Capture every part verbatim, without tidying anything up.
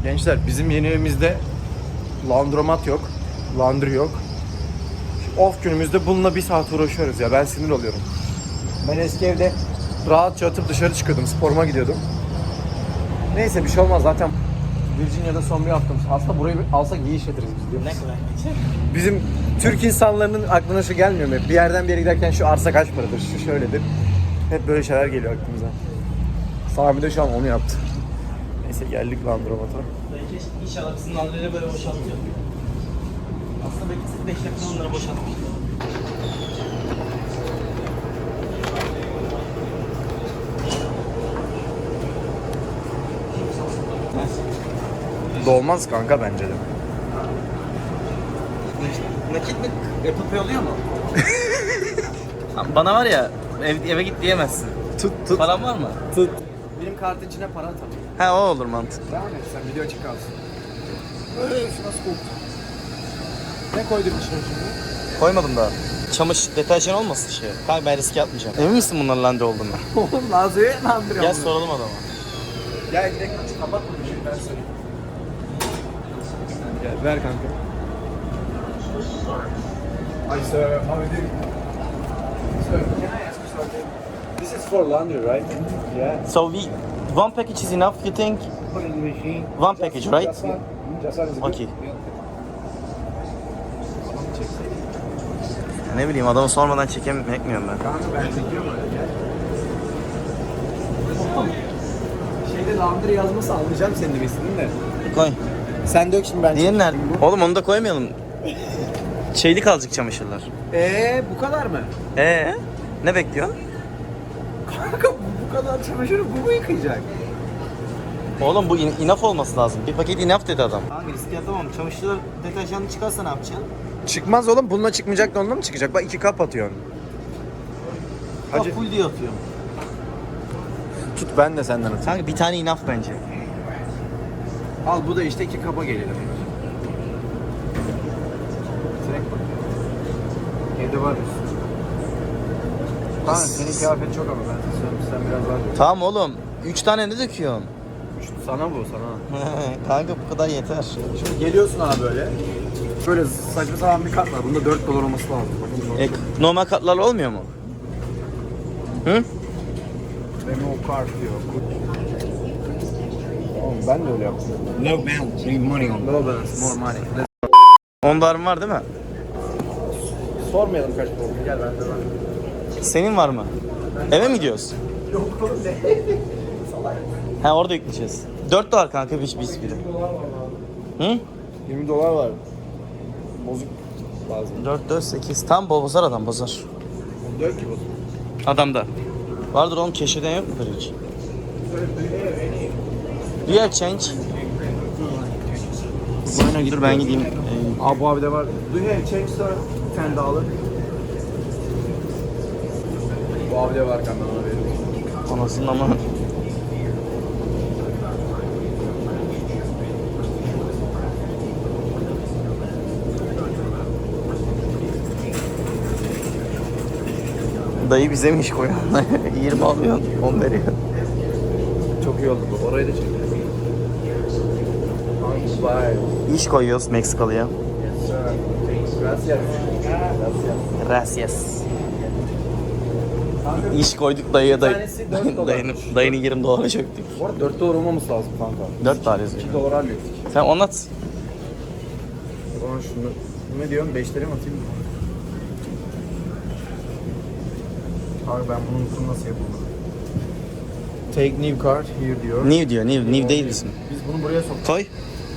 Gençler bizim yeni evimizde laundromat yok. Laundry yok. Şu off günümüzde bununla bir saat uğraşıyoruz ya. Ben sinir oluyorum. Ben eski evde rahatça atıp dışarı çıkıyordum. Sporuma gidiyordum. Neyse bir şey olmaz zaten. Virginia'da son bir haftamız. Aslında burayı alsak iyi işletiriz biz diyor. Ne kadar geçer? Bizim Türk insanlarının aklına şu gelmiyor mu? Bir yerden bir yere giderken şu arsa kaç paradır, şu şöyledir. Hep böyle şeyler geliyor aklımıza. Sami de şu an onu yaptı. Neyse geldik Landromat'a. Belki inşallah bizim landırıyla böyle boşaltıyor. Aslında belki beş dakika onları boşaltmış. Dolmaz kanka bence de. Nakit mi yapıp oluyor mu? Bana var ya ev, eve git diyemezsin. Tut tut. Paran var mı? Tut. Benim kartın içine para atalım. He o olur mantıklı. Devam et sen, video açık kalsın. Öyle şu nasıl koktu? Ne koyduk içine şimdi? Koymadım daha. Çamaşır deterjan olmasın şey. Kanka ben riske atmayacağım. Emin misin bunların landry olduğunu? Oğlum Nazlı'ya landırıyor. Gel soralım adama. Gel gidelim, kapat bunu şimdi ben söyleyeyim. Gel ver kanka. Hi sir, how are you doing? Sir, can I ask you something? This is for laundry, right? Yeah. So we one package is enough you think? Put in the machine. One package, right? Just one. Just one is good. Okay. Ne bileyim adamı sormadan çekemiyorum ben. Kanka ben çekiyorum öyle gel. Şeyde laundry yazması almayacağım senin demesini de. Koy. Sen dök şimdi ben. Diğeri nerede? Oğlum onu da koymayalım. Şeylik kalacak çamaşırlar. Eee bu kadar mı? Ee, ne bekliyorsun? Kanka bu kadar çamaşırı bu mu yıkayacak? Oğlum bu in- enough olması lazım. Bir paket enough dedi adam. Hangi riske atamam. Çamaşırlar deterjanlı çıkarsa ne yapacaksın? Çıkmaz oğlum, bununla çıkmayacak da onunla mı çıkacak? Bak iki kap atıyorsun. Hacı. Hacı Full diye atıyorum. tut ben de senden atayım. Kanka bir tane enough bence. Al bu da işte iki kaba geliyor. Direkt bak. Evde var üstü. Tamam senin kıyafet çok ama ben sana söyleyeyim sen biraz daha dök. Tamam oğlum. Üç tane ne döküyorsun? Sana bu sana. Kanka bu kadar yeter. Şimdi geliyorsun abi böyle. Böyle saçma sapan bir kat var. Bunda dört dolar olması lazım. Bakın, E, normal katlarla olmuyor mu? Hı? Remove card diyor. Oğlum ben de öyle yaptım. No balance, leave money on. No balance, more money. on dolarım var değil mi? Sormayalım kaç para oldu. Gel ben de var. Senin var mı? Eve mi gidiyoruz? Yok oğlum ne? Salak. Ha orada yükleyeceğiz. dört dolar kanka bir biz biri. Hı? yirmi dolar var. Bozuk lazım. dört, dört, sekiz. Tam bozar adam bozar. Dök ki bozuk. Adamda. Vardır oğlum keşfeden yok mudur hiç? Do you have change? Dur ben gideyim. Ee, Abi bu abi de var. Do you have change sir? ten dollar. Bu abi de var kanka ona veriyorum. Anasının ama. Dayı bize mi iş koyuyor? yirmi alıyor, on veriyor. Çok iyi oldu bu. Orayı da çekelim. Vay. İş koyuyoruz Meksikalı'ya. Gracias. Gracias. İş koyduk dayıya dayı. tanesi dört dolar. Dayının, dayının yirmi dolara çöktük. Bu arada dört dolar olmaması lazım kanka. dört dolar yazıyor. iki dolar hallettik. Sen anlat. O zaman şunu, ne diyorsun? beşleri mi atayım mı? Abi ben bunu unuttum nasıl yapılır. Take new card here diyor. New diyor, new, new değil misin? Biz bunu buraya soktuk. Koy.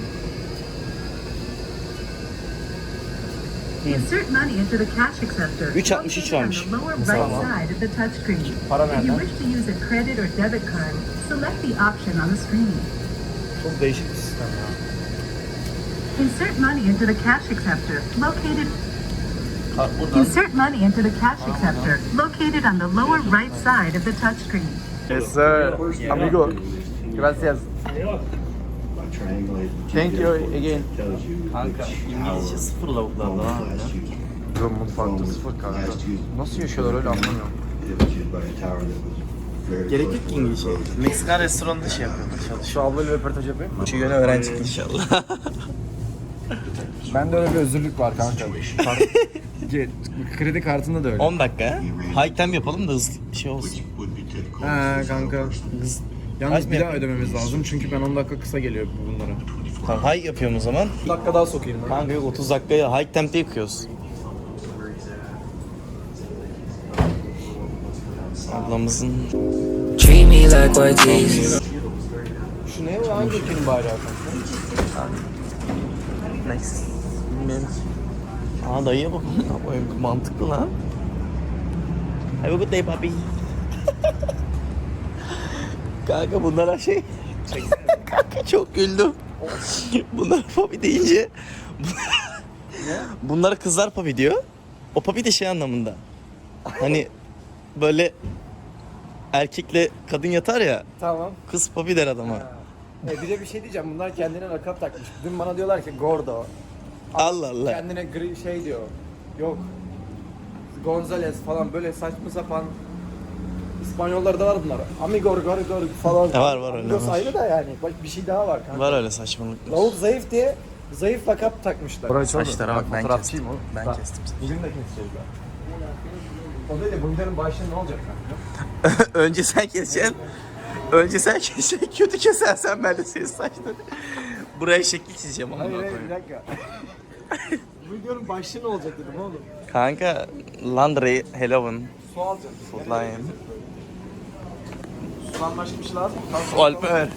Insert money into the cash acceptor. üç altmış üç located on vermiş. the lower Mesela. right side of the touchscreen. Para If you nereden? wish to use a credit or debit card, select the option on the screen. Çok değişik bir sistem ya. Insert money into the cash acceptor located. Ha, buradan. Insert money into the cash acceptor located on the lower right side of the touchscreen. Yes sir. Amigo. Gracias. Thank you again. Kanka İngilizce sıfır lavuklarda ha öyle. Yo mutfakta sıfır kanka. Nasıl yaşıyorlar öyle anlamıyorum. Gerek yok ki İngilizce. Meksikan restoranında şey yapıyorlar, çalışıyor. Şu ablayla röportaj yapayım. Şu yöne öğrenecek inşallah. Bende öyle bir özürlük var kanka. Kart- Ge- Kredi kartında da öyle. on dakika. High time yapalım da hızlı bir şey olsun. He kanka. Hız. Yalnız High bir mi daha ödememiz lazım çünkü ben on dakika kısa geliyor bunlara. Tamam, high yapıyorum o zaman. on dakika daha sokayım ben. Kanka yok, otuz dakikaya high time'de yıkıyoruz. Ablamızın... Treat me like Ortiz. Şu ne o? Hangi ülkenin bayrağı kanka? Next. Bilmiyorum. Aa dayıya bak. Mantıklı lan. Have a good day papi. Kanka bunlara şey... Kanka çok güldüm. Bunlar papi deyince... Bunlara kızlar papi diyor. O papi de şey anlamında. Hani böyle erkekle kadın yatar ya, Tamam. kız papi der adama. E bir de bir şey diyeceğim. Bunlar kendine lakap takmış. Dün bana diyorlar ki Gordo. Allah Allah. Kendine gri şey diyor. Yok. Gonzales falan böyle saçma sapan İspanyollarda var bunlar. Amigor, Gorgor falan. E, var, var öyle, Amigos var. ayrı da yani. Bak bir şey daha var kanka. Var öyle saçmalıklar. Lavuk zayıf diye zayıf lakap takmışlar. Saçlara bak, ben kestim. Ben kestim. Bugün de keseceğiz ben. O değil de bu videonun başlığı ne olacak kanka? Önce sen keseceksin. Önce sen keseceksin. Kötü kesersen ben de senin saçları. Buraya şekil çizeceğim ondan Hayır hayır sonra. bir dakika. Bu videonun başlığı ne olacak dedim oğlum. Kanka, Landry, Halloween, Su alacaksın. Foodline, Sudan başka bir şey lazım mı? Alper.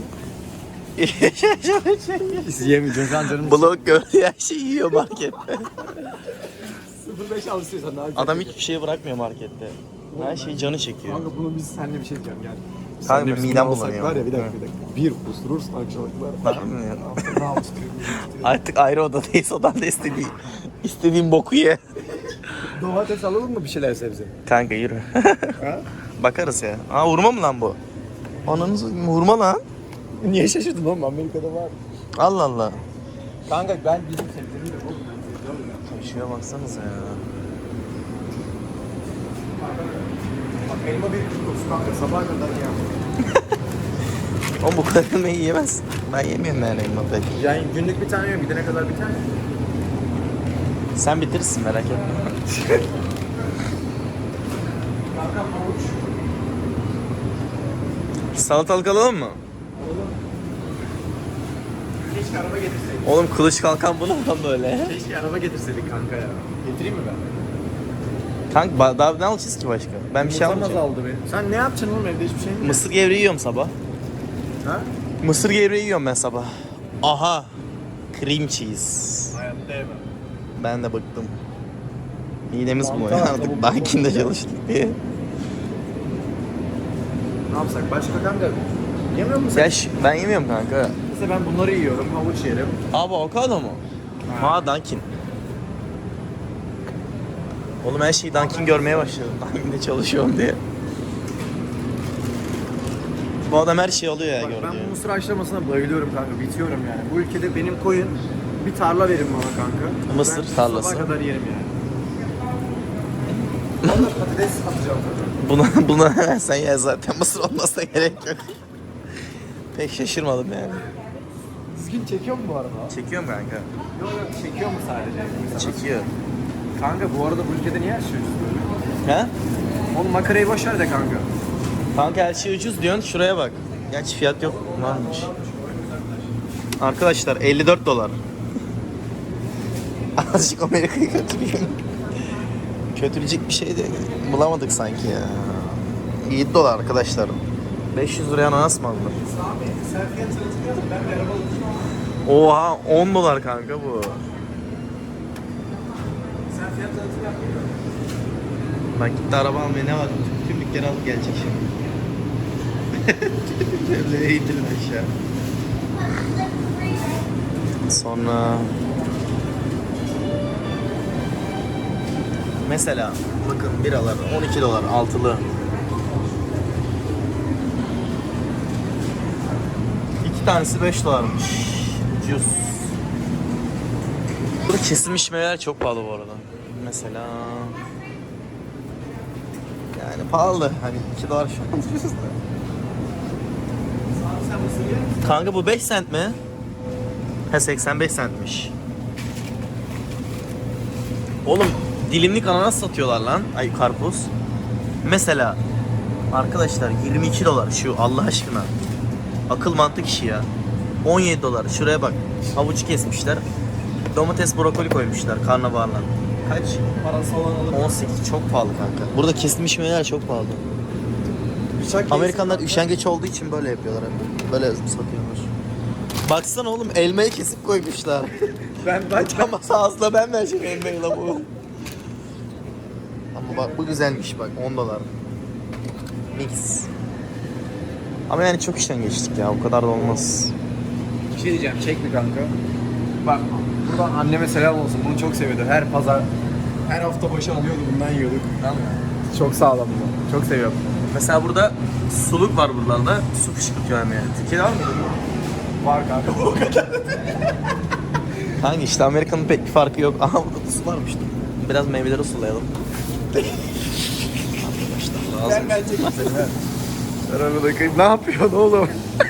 Yiyemeyeceğiz lan canım. Blok gördüğü her şeyi yiyor markette. sıfır beş al istiyorsan daha güzel. Adam hiçbir şey bırakmıyor markette. Her şey canı çekiyor. Kanka bunu biz seninle bir şey diyeceğim gel. Kanka, Seninle midem alsak bulanıyor. Var ya bir dakika bir dakika. Bir kusurursun akşamlıklar. Ne yapıyorsun? Artık ayrı odadayız. Odanda istediğin, istediğin boku ye. Domates alalım mı bir şeyler sebze? Kanka yürü. Ha? Bakarız ya. Aa, hurma mı lan bu? Ananızı hurma lan. Niye şaşırdın oğlum Amerika'da var. Allah Allah. Kanka ben bizim sebzemiyle oğlum. Şuraya baksanıza ya. Bak elma bir kutusu kanka sabaha kadar ya. Oğlum bu kadar elmayı yiyemez. Ben yemiyorum yani elma pek. Yani günlük bir tane yiyorum gidene kadar bir tane. Sen bitirirsin, merak etme. Kanka havuç. Salatalık alalım mı? Keşke araba getirseydik. Oğlum kılıç kalkan bu ne lan böyle? Keşke araba getirseydik kanka ya. Getireyim mi ben? Kanka ba- daha ne alacağız ki başka? Ben bir şey Yumurtam almayacağım. azaldı benim. Sen ne yapacaksın oğlum evde hiçbir şey mi? Mısır gevreği yiyorum sabah. Ha? Mısır gevreği yiyorum ben sabah. Aha. Cream cheese. Hayatta yemem. Ben de bıktım. Midemiz bu Mantar, ya tavuk, artık. Bankinde çalıştık diye. Ne yapsak? Başka kanka yemiyor musun sen? Ya şu- ben yemiyorum kanka. Mesela ben bunları yiyorum, havuç yerim. Abi avokado mu? Ha Dunkin. Oğlum her şeyi Dunkin görmeye başladım. Dunkin'de çalışıyorum diye. Bu adam her şeyi alıyor ya Bak gördüğü. ben bu mısır haşlamasına bayılıyorum kanka, bitiyorum yani. Bu ülkede benim koyun bir tarla verin bana kanka. Mısır ben tarlası. sabaha kadar yerim yani. Valla patates atacağım tabii. Buna, buna sen ya zaten mısır olmasına gerek yok. Pek şaşırmadım yani. Düzgün çekiyor mu bu arada? Çekiyorum kanka. Yok yok çekiyor mu sadece? Çekiyor. Kanka bu arada bu ülkede niye her şey ucuz böyle? Ha? Oğlum makarayı boş ver de kanka. Kanka her şey ucuz diyorsun, şuraya bak. Gerçi fiyat yok, varmış. Arkadaşlar elli dört dolar. Azıcık Amerika'yı kötüleyeyim. Kötülecek bir şey de bulamadık sanki ya. yedi dolar arkadaşlar. beş yüz liraya ananas mı alınır? Sen fiyat tanıtmıyordun, ben bir araba alacağım. Oha on dolar kanka bu. Sen fiyat tanıtım yapmıyordun. Bak gitti araba almaya, ne var? Tüm dükkanı alıp gelecek şimdi. Böyle indirin aşağı. Sonra... Mesela bakın biralar on iki dolar altılı. İki tanesi beş dolarmış. Ucuz. Burada kesilmiş meyveler çok pahalı bu arada. Mesela Yani pahalı. Hani iki dolar şu an ucuz da. Kanka bu beş sent mi? He seksen beş centmiş. Oğlum dilimlik ananas satıyorlar lan. Ay karpuz. Mesela arkadaşlar yirmi iki dolar şu Allah aşkına. Akıl mantık işi ya. on yedi dolar. Şuraya bak. Havuç kesmişler. Domates brokoli koymuşlar karnabaharla. Kaç? Parası olan alır. on sekiz. Çok pahalı kanka. Burada kesilmiş meyveler çok pahalı. Bıçak Amerikanlar üşengeç olduğu için böyle yapıyorlar hep. Böyle satıyorlar. Baksana oğlum elmayı kesip koymuşlar. Ben ben Ama ağzına ben vereceğim elmayı la bu. Ama bak bu güzelmiş bak on dolar. Mix. Ama yani çok işten geçtik ya o kadar da olmaz. bir şey diyeceğim. Çek mi kanka? Bak buradan anneme selam olsun. Bunu çok seviyordu. Her pazar her hafta başı alıyordu. Bundan yiyorduk. Tamam mı? Çok sağlam bu. Çok seviyorum. Mesela burada suluk var buralarda. Su fışkırtıyor yani. Türkiye'de var mı? Var kanka. O kadar. Hangi işte Amerika'nın pek bir farkı yok. Aha burada da su varmış. Biraz meyveleri sulayalım. Arkadaşlar lazım. Ben ben çekeyim seni. ver. Ver onu da kıyım. Ne yapıyorsun oğlum?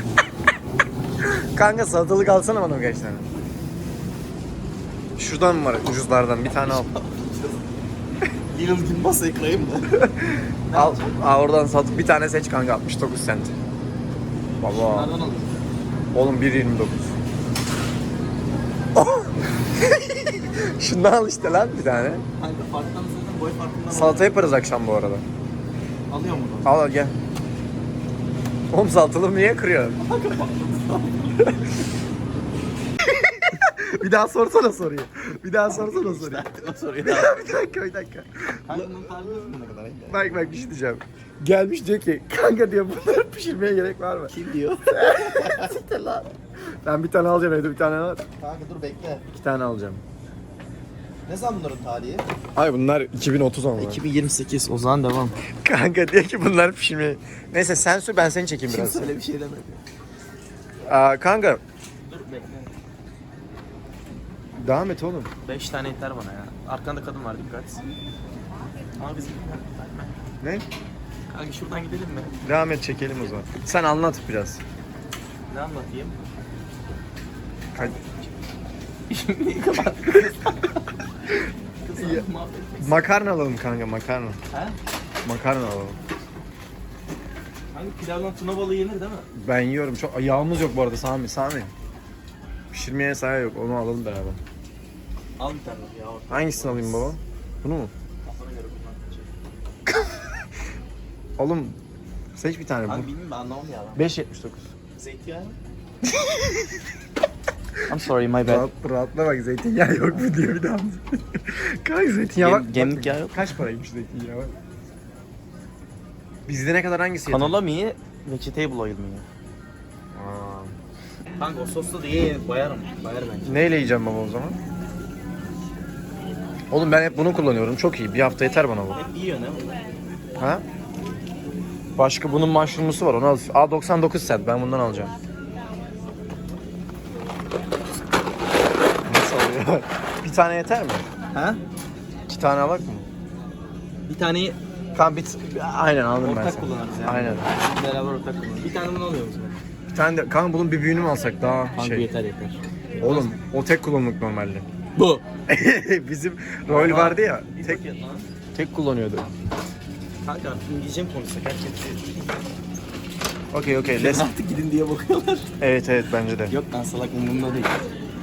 Kanka salatalık alsana bana birkaç tane. Şuradan mı var ucuzlardan? Bir tane al. Little Gimbas'ı ekleyeyim mi? Al. Aa, oradan sat. Bir tane seç kanka altmış dokuz sent. Baba. Nereden alıyorsun? Oğlum bir yirmi dokuz. Şundan al işte lan bir tane. Kanka farktan zaten boy farkından Salata yaparız akşam bu arada. alıyor mu? Al al gel. Oğlum salatalığı niye kırıyor? Bir daha sorsana soruyu. Bir daha sorsana soruyu. O soruyu bir dakika bir dakika. Kanka bunun tarihi ne kadar? Bak bak bir şey diyeceğim. Gelmiş diyor ki kanka diyor bunları pişirmeye gerek var mı? Kim diyor? Siktir lan. Ben bir tane alacağım evde bir tane var. Kanka dur bekle. İki tane alacağım. Ne zaman bunların tarihi? Ay bunlar iki bin otuz ama. iki bin yirmi sekiz o zaman devam. Kanka diyor ki bunlar pişirmeye. Neyse sen sür ben seni çekeyim biraz. Kimse öyle bir şey demedi. Aa, kanka Dur bekle. devam et oğlum. beş tane yeter bana ya. Arkanda kadın var dikkat. Ama bizim Ne? Kanka şuradan gidelim mi? Devam et çekelim o zaman. Sen anlat biraz. Ne anlatayım? Ka- Şimdi kapat. Ya. makarna alalım kanka makarna. He? Makarna alalım. Hangi pilavdan tuna balığı yenir değil mi? Ben yiyorum. Çok yağımız yok bu arada Sami. Sami. Pişirmeye sahi yok. Onu alalım beraber. Al bir tane ya. Hangisini alayım baba? Bunu mu? Kafana göre bundan seçelim. Oğlum seç bir tane. Kanka Bu. bilmiyorum ben anlamam ya. beş yetmiş dokuz. Zeytinyağı. I'm sorry my bad. Rahat, rahatla bak zeytinyağı yok mu diyor bir daha. Kanka zeytinyağı Gem- bak. gemlik bak- yağı yok. Kaç paraymış zeytinyağı bak. Bizde ne kadar hangisi yeter? Kanola mı iyi? Vegetable oil mi iyi? Aa. Kanka o sosla da iyi bayarım. Bayar bence. Neyle yiyeceğim baba o zaman? Oğlum ben hep bunu kullanıyorum. Çok iyi. Bir hafta yeter bana bu. Hep yiyor ne? Ha? Başka bunun mushroom'lusu var. Onu al. Aa doksan dokuz cent. Ben bundan alacağım. Nasıl oluyor? Bir tane yeter mi? Ha? İki tane alak mı? Bir taneyi Tamam bir aynen aldım ben ortak sana. kullanırız yani. Aynen. Beraber ortak kullanırız. Bir tane bunu alıyoruz mu? Bir tane de kanka bunun bir büyüğünü mü alsak daha Kanka şey. yeter yeter. Oğlum o tek kullanımlık normalde. Bu. Bizim rol vardı ya. Tek Tek lan. tek kullanıyordu. Kanka artık İngilizce mi konuşsak herkes? Okey okey. Let's... Artık gidin diye bakıyorlar. Evet evet bence de. Yok lan salak umurumda değil.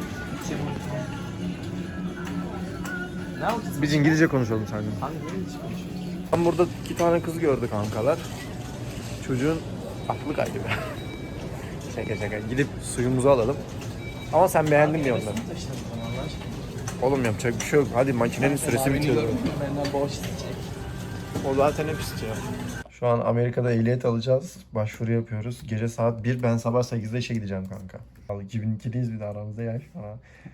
Ne yapacağız? Biz İngilizce konuşalım seninle. Kanka ne İngilizce konuşuyoruz? Ben burada iki tane kız gördü kankalar. Çocuğun aklı kaydı be. Şaka şaka. Gidip suyumuzu alalım. Ama sen beğendin mi onları? Oğlum yapacak bir şey yok. Hadi makinenin süresi bitiyor. Benden borç isteyecek. O zaten hep istiyor. Şu an Amerika'da ehliyet alacağız. Başvuru yapıyoruz. Gece saat bir. Ben sabah sekizde işe gideceğim kanka. Al iki bin ikiliyiz bir de aramızda yaş var.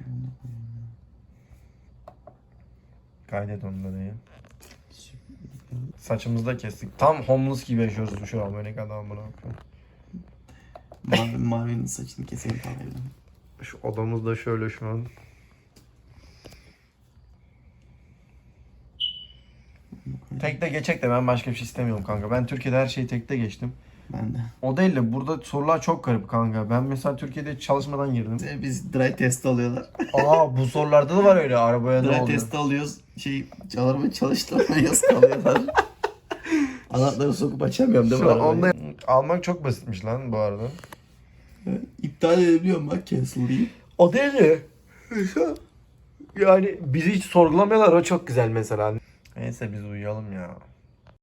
Kaydet onu da değil. Saçımızı da kestik. Tam homeless gibi yaşıyoruz şu an. Böyle adam buna bakıyor. Mavi, mavinin saçını keseyim falan. Şu odamız da şöyle şu an. Tekte geçecek de ben başka bir şey istemiyorum kanka. Ben Türkiye'de her şeyi tekte geçtim. Ben de. O değil de burada sorular çok garip kanka. Ben mesela Türkiye'de çalışmadan girdim. Biz dry test alıyorlar. Aa bu sorularda da var öyle arabaya ne Dry oluyor? test alıyoruz. Şey arabayı çalıştıramıyoruz kalıyorlar. Anahtarı sokup açamıyorum değil mi Şu arabayı? onda almak çok basitmiş lan bu arada. İptal edebiliyorum bak cancel deyip. O değil de yani bizi hiç sorgulamıyorlar, o çok güzel mesela. Neyse biz uyuyalım ya.